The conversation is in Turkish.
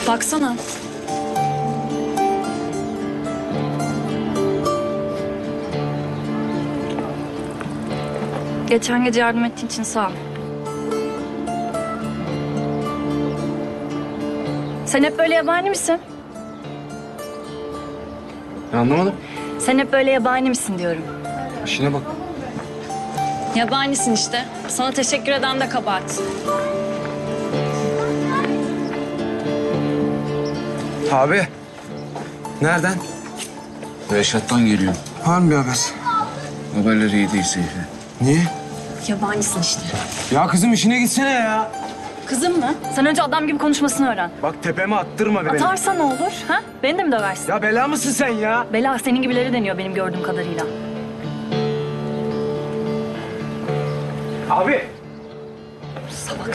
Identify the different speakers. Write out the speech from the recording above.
Speaker 1: Baksana. Geçen gece yardım ettiğin için sağ ol. Sen hep böyle yabani misin?
Speaker 2: Anlamadım.
Speaker 1: Sen hep böyle yabani misin diyorum.
Speaker 2: İşine bak.
Speaker 1: Yabanisin işte. Sana teşekkür eden de kabahat.
Speaker 2: Abi. Nereden?
Speaker 3: Reşat'tan geliyor.
Speaker 2: Var mı bir haber?
Speaker 3: Haberleri iyi değil Seyfi.
Speaker 2: Niye?
Speaker 1: Yabanisin işte.
Speaker 2: Ya kızım işine gitsene ya.
Speaker 1: Kızım mı? Sen önce adam gibi konuşmasını öğren.
Speaker 2: Bak tepeme attırma beni.
Speaker 1: Atarsa ne olur? Ha? Beni de mi döversin?
Speaker 2: Ya bela mısın sen ya?
Speaker 1: Bela senin gibileri deniyor benim gördüğüm kadarıyla.
Speaker 2: Abi.
Speaker 1: Salak.